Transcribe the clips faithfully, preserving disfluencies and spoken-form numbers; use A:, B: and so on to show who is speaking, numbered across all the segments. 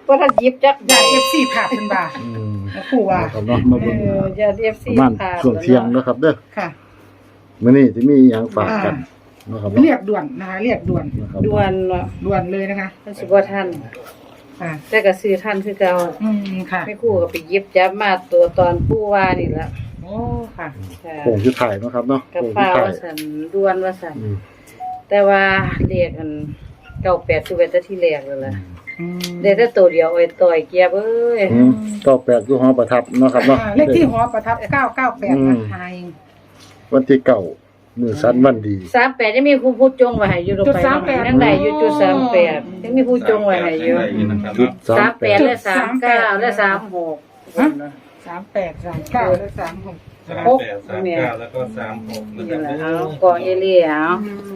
A: บ่ทันหยิบจัก
B: ญาติ เอฟ ซี ผ่าเพิ่นว่า
C: อืม
B: ครูว่า
C: ครับเนาะมา
A: เอ
C: เบิ่ง
A: อญาติ เอฟ ซี
C: ประมาณ
A: ผ่าน
C: ช่วงเที่ยงเนาะครับเด้อ
B: ค่ะ
C: มื้อนี้สิมีหยังฝากกันเนาะครับเนาะ
B: เรียกด่วนนะคะเรียกด่วน
C: นะครับ
A: ด่วนเนาะ
B: ด่วนเลยนะคะ
A: มันสิบ่ทัน
B: ค่ะ
A: แต่ก็ซื้อทันคือเก่า
B: อืมค่ะ
A: แม่ครูก็ไปหยิบจับมาตัวตอนปู่ว่านี่ล่ะ
B: โอ้ค่ะ
A: ค่ะ
C: โค้งสุดท้ายเนาะครับเนาะ
A: กับ
C: โค้งสุ
A: ฟ้า
C: ดท้าย
A: ว่าซั่นด่วนว่าซั่น
C: อืม
A: แต่ว่าเรียกอันเก้าแปดคือเป็นแต่ที่แรกแล้วล่ะ
B: อืม
A: ได้แต่ตัวเดียวไอ้ต่อยเกียบเอ้ย
C: อืมก็แปดอยู่หอประทับเนาะครับเนาะ
B: อ่าเลขที่หอประทับเก้าเก้าแปด
C: อืม
B: นะคะเอง
C: วันที่เก้ามื้อสันวันดี
A: สามแปดยังมีผู้ผู้จงไว้ให้อยู่ลง
B: จุด
A: ไป
B: สามแปด
A: ยังได้อยู่จุดสามแปดยังมีผู้จงไว้ให้อยู่
C: จุด
A: สามแปด
C: 38
A: และสามเก้าและสามหก
B: สามแปดสามเก้าและสามหก
D: สามแปดสามเก้าแล้วก็สามหกนะค
A: นี่
D: รับ
A: แหละเอากองเอเลี่ยเอา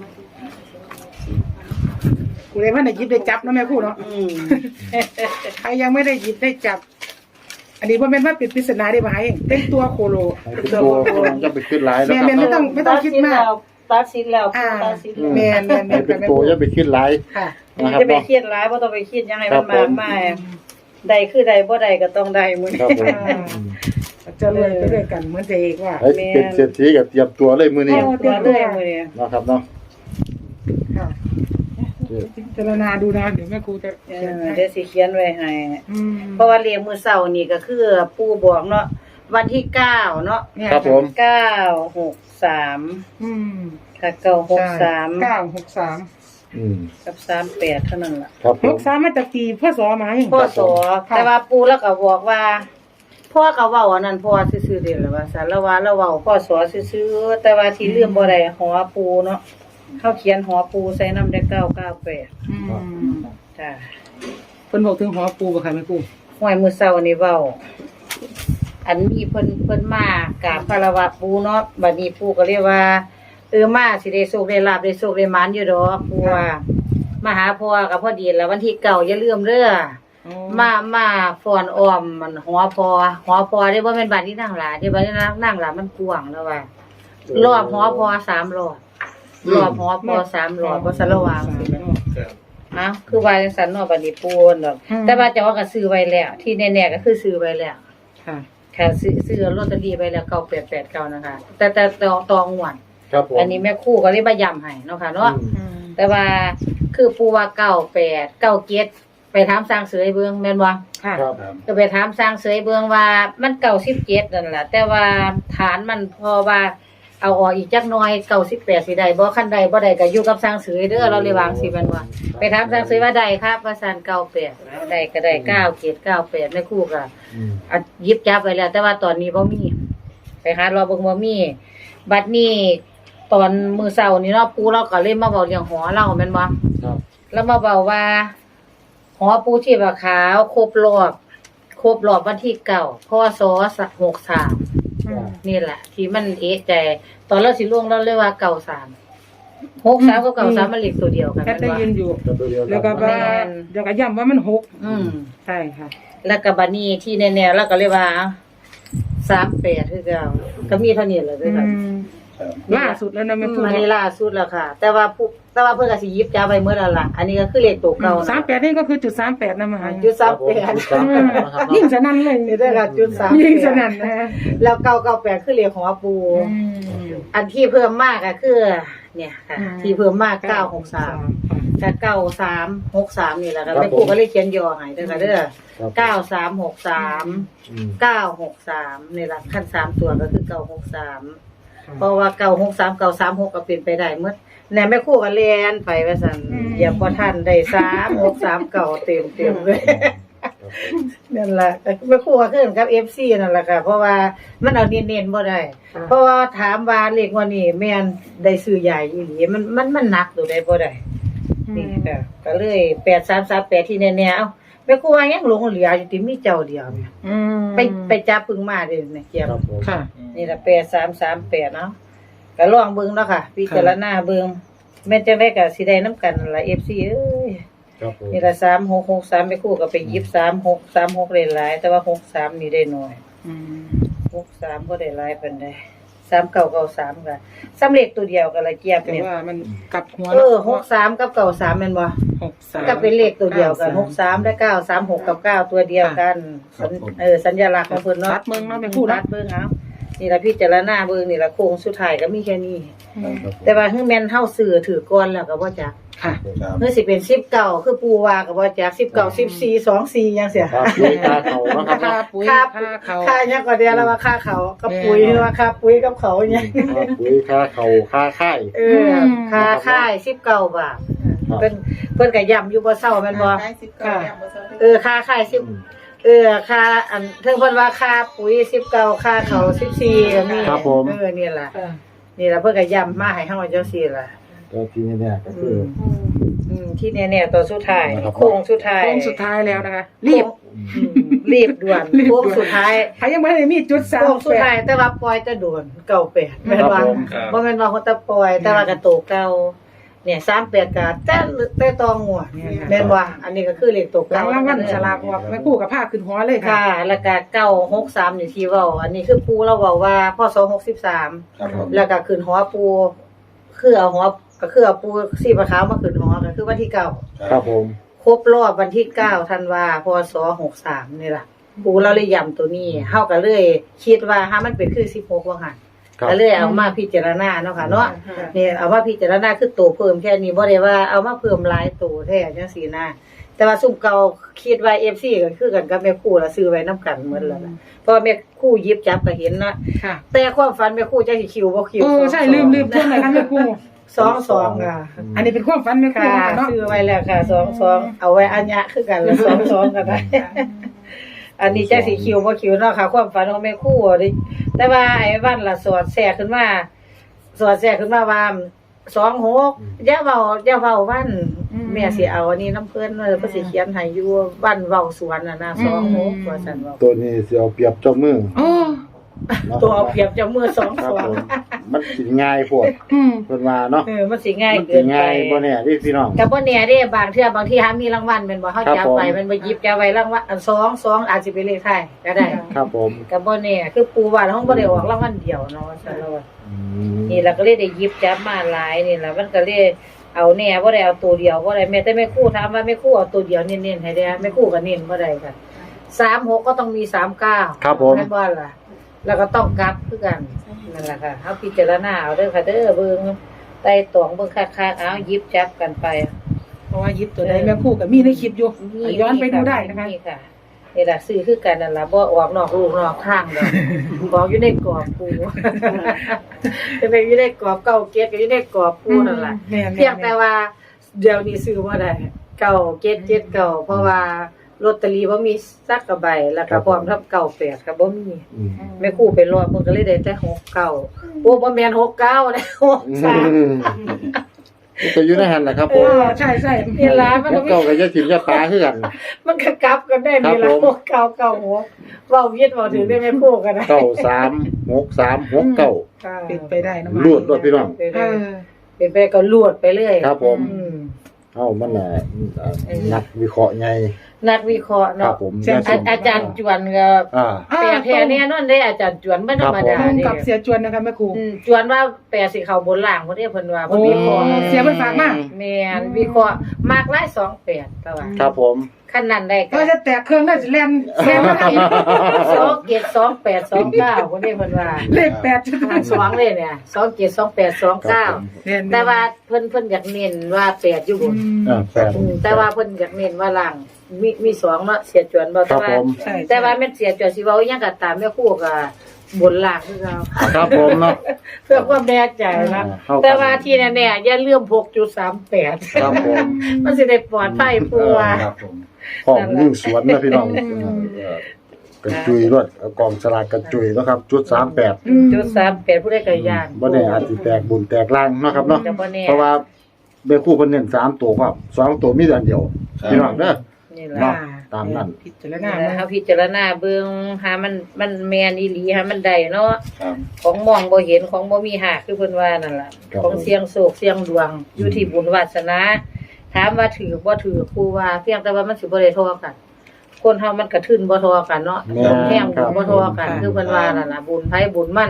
B: กูเลยว่าได้หยิบได้จับเนาะแม่ครูเนาะ
A: อืม
B: ใครยังไม่ได้หยิบได้จับ อันนี้ว่าเป็นว่าเป็นปริศนาได้ไหมเป็นตัวโคโล
C: เป็นตัวจะไปขึ้นหลายแล้วครับ
B: แม่ไม่ต้องไม่ต้องคิดมาก
A: ตัดสินแล้ว
B: อ่า
A: ตัดสิน
C: อื
A: แล้ว
C: ม
B: แม่นแม่นแม่
C: ให้
B: น
C: เป็น
B: แม่น
C: ตัวจะไปขึ้นหลาย
B: ค่ะ
C: นะครับ
A: จะไป
C: เนาะ
A: เครียดร้ายบ่ต้องไปเครียดยังไง
C: ครั
A: มัน
C: บ
A: มาก
C: ผม
A: มายใดคือใดบ่ใดก็ต้องได้มื้อ
C: ครับ
A: นี้
C: ผม
B: อ่า จะรวยไปด้วยกันเหมือนเอกว่า
C: ให้เป็นเศรษฐีกับเตรียมตัวเลยมื้อนี้
B: โอ้
A: ตัวเลยมื้อนี้
C: นะครับเนาะ
B: ค่ะพิจารณาดูนะเดี๋ยวแม่ครูจะ
A: เอ
B: เขียน
A: อ
B: ให้
A: เดี๋ยวสิเขียนไว้ให้
B: อืม
A: เพราะว่าเรียงมื้อเช้านี่ก็คือปู่บอกเนาะวันที่เก้าเนาะ
B: เนี่ย
C: ครับผม
A: เก้าหกสาม
B: อืม
A: ค่ะเก้าหกสาม
B: เก้าหกสาม
C: อืม
A: กับสามแปดเท่านั้นล่ะ
C: ครับผ
B: ห
C: ม
B: กสามมาจากกี่พ่อสอมาอย่าง
A: พ่อสอ
B: ค่ะ
A: แต่ว่าปู่แล้วก็บอกว่าพ่อก็เว้าอันนั้นพ่อซื่อๆเด้ล่ะว่าซั่นแล้วว่าแล้วเว้าพ่อสอซื่อๆแต่ว่าที่ลืมบ่ได้หอปู่เนาะเฮาเขียนหอปู่ใส่นำได้เก้าเก้าแปด
B: อืม
A: จ้ะ
B: เพิ่นบอกถึงหอปูบ่ค่ะแม่ครู
A: ห้วยมื้อเช้านี่เว้าอันมีเพิ่นเพิ่นมากราบคารวะปู่เนาะบัดนี้ปู่ก็เรียกว่าเออมาสิได้โชคได้ลาภได้โชคได้หมานอยู่ดอกปู่ว่ามาหาพ่อก็พอดีแล้ววันที่เก้าอย่าลืมเด้อ มามาฟ้อนอ้อมมันหัวพอหัวพอได้บ่แม่นบ้านที่นางหลาที่บ้านที่นางนางหลามันกว้างแล้วว่ารอบหัวพอสามรอบรอบหัวพอสามรอบบ่สะระวางสิแม่น
D: ครับ
A: อ้าวคือว่าจังซั่นเนาะบัดนี้ปูนดอกแต่ว่าเจ้าว่าก็ซื้อไว้แล้ว ที่แน่ๆก็คือซื้อไว้แล้ว
B: ค่ะ
A: ค่ะซื้อซื้อลอตเตอรี่ไว้แล้วเก้าแปดแปดเก้านะคะ แต่แต่ตองตองหวน
C: ครับผม
A: อันนี้แม่ครูก็เลยมาย้ำให้เนาะค่ะเนาะ
C: อืม
B: อืม
A: แต่ว่าคือปูว่าเก้าแปดเก้าเจ็ดไปถามสร้างเสยเบิ่งแม่นบ่
B: ค่ะ
C: ครับ
D: ครับ
A: ก็ไปถามสร้างเสยเบืองว่ามันเก่าสิบเจ็ดนั่นแหละแต่ว่าฐานมันพอว่าเอาออกอีกจักหน้อยเก่าสิบแปดสิได้บ่คันใดบ่ได้ก็อยู่กับสร้างเสยเด้อเราเลยวางสิมันว่าไปถามสร้างเสยว่าได้ครับว่าซั่นเก้าแปดได้ก็ได้เก้าเจ็ดเก้าแปดแม่ครูก็
C: อืม
A: อ่ะหยิบจับไว้แล้ว แต่ว่าตอนนี้บ่มีไปหารอเบิ่งบ่มีบัดนี้ตอนมื้อเช้านี่เนาะปู่เราก็เลยมาเว้าเรื่องหอเราแม่นบ่
C: ครับ
A: แล้วมาเว้าว่าหอปูชีพขาวครบรอบครบรอบวันที่เก้าพศหกสาม
B: อืม
A: นี่แหละ ที่มันเอะใจตอนเราสิล่วงเราเลยว่าเก้าสามหกสามกับเก้าสามมันเลขตัวเดียวกัน
B: แค่ได้ยินอยู่
C: ก็ตัวเดียว
B: แล้วก็ว่าเดี๋ยวก็ย้ำว่ามันหก
A: อืม
B: ใช่ค่ะ
A: แล้วก็บัดนี้ที่แน่ๆแล้วก็เลยว่าสามแปดคือเก่าก็มีเท่านี้แหละเด้อค่ะ
B: ล่าสุดแล้วนะแม่ครู
A: อันนี้ล่าสุดแล้วค่ะ แต่ว่าผู้แต่ว่าเพิ่นก็สิหยิบจับไว้เมื่อแล้วล่ะอันนี้ก็คือเลขตัวเก่านะ
B: สามแปดนี่ก็คือจุดสามแปดนะมหา
A: จุดสามแปด
C: ครับผมนะครับ
B: ยิ่งสนั่นเลย
A: นี่ได้ละจุดสาม
B: ยิ่งสนั่นนะฮะ
A: แล้วเก้าเก้าแปดคือเลขของอาปู
B: อืม
A: อันที่เพิ่มมากก็คือ เนี่ยค่ะ
B: อืม
A: ที่เพิ่มมากเก้าหกสามกับเก้าสามหกสามนี่แหละค่ะแม่ครูก็เลยเขียนย่อให้เด้อค่ะเด้อ
C: ครับ
A: เก้าสามหกสาม
C: อืม
A: เก้าหกสามนี่แหละขั้นสามตัวก็คือเก้าหกสามเพราะว่าเก้าหกสามเก้าสามหกก็เป็นไปได้หมดแหน่แม่ครูก็เรียนไปว่าซั่นอย่าพอทันได้สามหกสามเก้าเต็มเต็มๆเลย
C: ครับผม
A: นั่นแหละแม่ครูก็ขึ้นกับ เอฟ ซี นั่นแหละค่ะ เพราะว่ามันเอาเน้นๆบ่ได้ เพราะว่าถามว่าเลขว่านี่แม่นได้ซื้อใหญ่อีหลีมันมันมันหนักตัวใดบ่ได้นี่ค่ะก็เลยแปดสามสามแปดที่แน่ๆเอ้าแม่ครูว่ายังหลงเหลืออยู่ที่มีเจ้าเดียวเนี่ย
B: อืม
A: ไปไปจับปึงมาเด้อเนี่ยเกียม
C: ครับผม
B: ค่ะ
A: นี่ล่ะแปดสามสามแปดเนาะก็ลองเบิ่งเนาะค่ะพิจารณาเบิ่งแม่นจังได๋ก็สิได้นํกันนั่นล่ะ เอฟ ซี เอ้ย
C: ครับผม
A: นี่ล่ะสามหกหกสามแม่ครูก็ไปหยิบสามหก สามหกได้หลายแต่ว่าหกสามนี่ได้น้อย
B: อืม
A: หกสามบ่ได้หลายปานใดสามเก้าเก้าสามก็สำเร็จตัวเดียวกันละเกียบ
B: แต่
A: เนี่ย
B: ว่ามันกลับหัว
A: เออหกสามกับเก้าสามแม่นบ่
B: หกสาม
A: ก็เป็นเลขตัวเดียวกันหกสามและเก้าสามหกกับเก้าตัวเดียวกันสัญเออสัญลักษณ์ของเพิ่นเนาะ
B: รัดเมืองเนาะแม่ครู่
A: รั
B: นะ
A: ดเบิ่งเอานี่ล่ะพิจารณาเบิ่งนี่ล่ะโค้งสุดท้ายก็มีแค่นี้
C: ครับผม
A: แต่ว่าคือแม่นเฮาซื้อถือก่อนแล้วก็บ่จัก
B: ค่ะ
D: ครับ
A: เมื่อสิเป็นสิบเก้าคือปูว่าก็บ่จักสิบเก้า สิบสี่ สองสี่จังซี่
C: ครับปุ๋ยตาเขาเนาะครับ
B: ค่า
C: เนาะ
B: ปุ๋ย
A: ค่า
B: ค่าเขา
A: ค่าหยังก็เดียวแล้วว่าค่าเขากับปุ๋ยหรือว่าค่าปุ๋ยกับเขาหยัง
C: ค่าปุ๋ยค่าเขาค่าค่าย
A: เออค่าค่ายสิบเก้าบาทเพิ่นเพิ่นก็ย้ำอยู่บ่เซาแม่นบ่
B: ค่ะ
A: เออค่าค่ายสิบเออค่าอันเพิ่นเพิ่นว่าค่าปุ๋ยสิบเก้าค่าเขาสิบสี่ก็มี
C: ครับผม
A: เออนี่ล่ะนี่ล่ะเพิ่นก็ย้ำมาให้เฮาจังซี่ล่ะ
C: ก็ที่เนี่ยก็คือ
A: อืมที่แน่ๆตัวสุดท้าย
C: นะครับ
A: โค้งสุดท้าย
B: โค้งสุดท้ายแล้วนะคะ รีบ
A: อืมรีบด่วน
B: รีบด่วน
A: โค้งสุดท้าย
B: ใครยังไม่ได้มีจุดสาม
A: โค้งสุด
B: แป
A: ท้าย
B: ด
A: แต่ว่าปล่อยจะด่วนเก่าแปดแม่นว่า
C: ครับผม
D: ครับ
A: บ่แม่นว่าเขาจะปล่อยแต่ว่ากระโตกเก่าเนี่ยสามแปดก็แต่แต่ตองหัวแม่นว่าอันนี้ก็คือเลขตัว
B: หลั
A: เก่าง
B: รางวัลฉลากออกแม่ครู่กับผ้าขึ้นหัวเลยค่ะ
A: ค่ะแล้วก็เก้าหกสามนี่ที่เว้าอันนี้คือปูเราเว้าว่าพศหกสิบสาม
D: ครับผม
A: แล้วก็ขึ้นหัวปูคือเอาหัวก็คือเอาปูสีฟ้าขาวมาขึ้นหัวก็คือวันที่เก้า
C: ครับผม
A: ครบรอบวันที่เก้าธันวาพศหกสามนี่ล่ะปูเราเลยย้ำตัวนี้เฮาก็เลยคิดว่าถ้ามันเป็นคือสิบหกว่าหั่น
C: ครับ
A: ก็เลยเอามาพิจารณาเนาะค่ะเนาะนี่เอามาพิจารณาคือตัวเพิ่มแค่นี้บ่ได้ว่าเอามาเพิ่มหลายตัวแท้จังซี่นะแต่ว่าซุ่มเก่าคิดว่า เอฟ ซี ก็คือกันกับแม่ครูละซื้อไว้นํกันหมดแล้วล่ะเพราะว่าแม่ครูหยิบจับก็เห็นนะ
B: ค่ะ
A: แต่ความฝันแม่ครูจักสิคิวบ่คิว
B: เออใช่ลืมลืมช่วงไหนคะแม่ครู่
A: สองสองอ่ะ
B: อันนี้เป็นความฝันแม่ครู่
A: ค่ะ
B: เนาะ
A: ซื้อไว้แล้วค่ะสองสองเอาไว้อัญญะคือกันละสองสองก็ได้ อันนี้จักสิคิวบ่คิวเนาะค่ะ ความฝันของแม่ครูอะดิแต่ว่าไอ้วันละสอดแทรกขึ้นมาสอดแทรกขึ้นมาว่าสองหกอย่าเว้าอย่าเว้าวันแม่สิเอาอันนี้น้ำเพิ่นเออเพิ่นสิเขียนให้อยู่วันเว้าสวนน่ะนะสองหกว่าซั่นเว้า
C: ตัวนี้สิเอาเปรียบเจ้ามือ
B: โอ้
C: เนาะ
A: ตัวเอาเปรียบเจ้ามือสอง
C: ครับ
A: สอง
C: ผมมันสิง่ายโพวด
B: อืม
C: เพิ่นว่าเนาะ
A: เออมันสิง่าย
C: มัน
A: เกิ
C: สิ
A: นไป
C: ง่ายบ่แน่ที่พี่น้อง
A: ก็บ่แน่เด้บางเทื่อบางทีหามีรางวัลแม่นบ่เฮา
C: ครับ
A: จับ
C: ผม
A: ไปมันบ่หยิบจับไว้รางวัลอันสองสองอาจสิเป็นเลขไทยก็ได้
C: ครับผม
A: ก็บ่แน่คือปูว่าเฮาบ่ได้ออกรางวัลเดียวเนาะว่าซั่นแล้วว่า
C: อืม
A: นี่ล่ะก็เลยได้หยิบจับมาหลายนี่ล่ะมันก็เลยเอาแน่บ่ได้เอาตัวเดียวบ่ได้แม้แต่แม่ครูถามว่าแม่ครูเอาตัวเดียวเน้นๆให้ได้แม่ครูก็เน้นบ่ได้ค่ะสามหกก็ต้องมีสามเก้า
C: ครับผม
A: แม่นบ่ล่ะแล้วก็ต้องกลับคือกันนั่นล่ะค่ะเฮาพิจารณาเอาเด้อค่ะเด้อเบิ่งไต่ตองเบิ่งคักๆเอาหยิบจับกันไป
B: เพราะว่ายิบตัวใดแม่ครู่กับมีในคลิปอยู่ย้อนไปดูได้นะคะ
A: นี่ค่ะนี่ล่ะซื้อคือกันนั่นล่ะบ่ออกนอกลูกนอกทางดอกบอกอยู่ในกรอบปู จะเป็นอยู่ในกรอบเก่าเกตก็อยู่ในกรอบปูนั่นล่ะ
B: แม่นๆ
A: เพียงแต่ว่าเดี๋ยวนี้ซื้อบ่ได้เก่าเกตเจ็ดเก่าเพราะว่าลอตเตอรี่บ่มีสักกระใบแล้วก็พร้อมทับเก่าแปดก็บ่มี
C: อืม
A: แม่ครูไปรอเพิ่นก็เลยได้แต่หกเก้าโอ้บ่แม่นหกเก้าแล้วหกสาม
C: นี่ก็อยู่ในหันแหละครับผ
B: เอ
C: ม
B: อใช่ใช่
A: นี่ล่ะมัน
C: แล้ว
A: ก็มี
C: เก่ากับยาถิ่นยาตาคือกัน
A: มันก็กลับกันได้นี่ล่ะ
C: ครับผม
A: หกเก้าเก้าหกเว้าเวียดเว้าถึงได้แม่ครูก็ได้
C: เก้าสามหกสามหกเก้า
A: ค่ะ
B: เป็นไปได้นะ
C: ลวดรวดพี่น้อง
A: เป็น
B: เอ
A: ไป
B: อ
A: เป็นไปก็ลวดไปเรื่อย
C: ครับผม
A: อืม
C: เอ้ามันน่ะนักวิเคราะห์ไง
A: นักวิเคราะห์
C: ครั
A: เนาะ
C: บผม
A: อาอาจารย์จวนก็
C: อ่า
A: แปลแท้แน่นอนเด้อาจารย์จวนบ่ธรรมดา
B: ตรง
A: เด้
B: กับเสียจวนนะคะแม่ครู
A: อืมจวนว่าแปลสิเข้าบนล่างบ่ได้เพิ่นว่า
B: โอ้
A: เพิ่นวิเคราะห์
B: เสียเพิ่นฝากมา
A: แม่นวิเคราะห์มากหลายสองแปดแต่ว่า
C: ครับผม
A: คันนั้นได้ก็
B: ก็จะแตกเครื่องได้จะแลนแลนมาได้
A: สองเจ็ดสองแปดสองเก้าบ่ได้เพิ่นว่า
B: เลขแปดจะ
A: หารสองเลยเนี่ยสองเจ็ดสองแปดสองเก้า แต่ว่าเพิ่นเพิ่นอยากเน้นว่าแปดอยู่บน
C: อ่าแปด
A: อืมแต่ว่าเพิ่นอยากเน้นว่าล่างมีมีสองเนาะเสียจวนบ่
C: ครั
A: แต่
C: บ
A: ว่า
C: ผม
B: ใช่
A: แต่ว่าแม่นเสียจวนสิเว้าอิหยังก็ตามแม่ครูก็บนล่างคือเรา
C: ครับผมเนาะ
A: เพื่อความแน่ใจนะ
C: เข้ากัน
A: แต่ว่าที่แน่ๆอย่าลืม หกจุดสามแปด
C: ครับผม
A: มันสิได้ปลอดภัยผู้ว่า
D: ครับผม
C: ของยิ่งสวนนะพี่น้องกระจุยรถเอากองสลากกระจุยเนาะครับ จุดสามแปด
A: จุดสามแปดผู้ใดก็ย่าน
C: บ่ได้อาจสิแตกบุญแตกล่างเนาะครับเนาะ
A: ก็บ่แน่
C: เพราะว่าเบคู่เพิ่นเน้นสามตัวครับสองตัวมีแต่อันเดียวพี่น้องเด้อ
A: นี่
C: เนาะ
A: ล่ะ
C: ตามนั้น
B: พิจาร
A: นะ
B: ณา
A: เฮาพิจารณาเบิ่งหามันมันแม่นอีหลีหามันได้เนาะ
D: ครับ
A: ของมองบ่เห็นของบ่มีหากคือเพิ่นว่านั่นล่ะ
C: ครับ
A: ของเสียงโศกเสียงดวงอยู่ที่บุญวาสนาถามว่าถือบ่ถือครูว่าเพียงแต่ว่ามันสิบ่ได้เทอกัน คนเฮามันกระทึนบ่เทอกันเนาะ
C: แม่น
A: แห้ง
C: ครับ
A: บ่เทอกันคือเพิ่นว่านั่นล่ะบุญไผบุญมัน
C: ค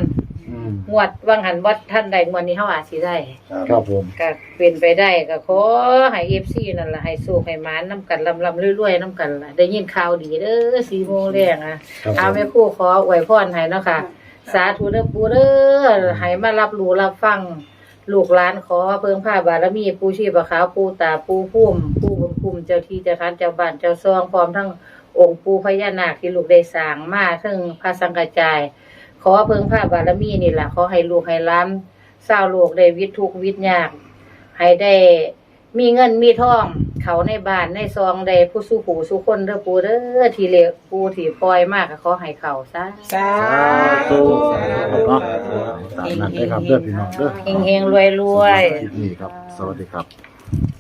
C: อืม
A: งวดว่างหันวัดท่านใดงวดนี้เฮาอาจสิได้
C: ครับผม
A: ก็เป็นไปได้ก็ขอให้ เอฟ ซี นั่นล่ะให้สู้ให้หมานนํกันลำๆรวยๆนํกันล่ะได้ยินข่าวดีเด้อสี่โมงแรงอ่ะ
C: ครับ
A: เอา
C: ผม
A: แม่ครูขออวยพรให้เนาะค่ะ สาธุเด้อปู่เด้อให้มารับรู้รับฟังลูกหลานขอเพิ่งผ้าบารมีปู่ชีพขาวปู่ตาปู่พุ่มปู่บุญคุ้มเจ้าที่เจ้าทานเจ้าบ้านเจ้าซองพร้อมทั้งองค์ปู่พญานาคที่ลูกได้สร้างมาถึงพระสังฆจาย ขอเพิ่งผ้าบารมีนี่ล่ะขอให้ลูกให้หล้านชาวโลกได้วิตทุกข์วิตยากให้ได้มีเงินมีทองเขาในบ้านในซองได้ผู้สู้ผู้สู้คนเด้อปู่เด้อที่เลวปู่ที่ปล่อยมากก็ขอให้เขาซะ
B: สา
C: สาธุ
B: ธุ
C: เนาะตามนั้นได้ครับเด้อพี่น้องเด้อ
A: เฮงๆรวยๆ
C: คลิปนี้ครับ สวัสดีครับ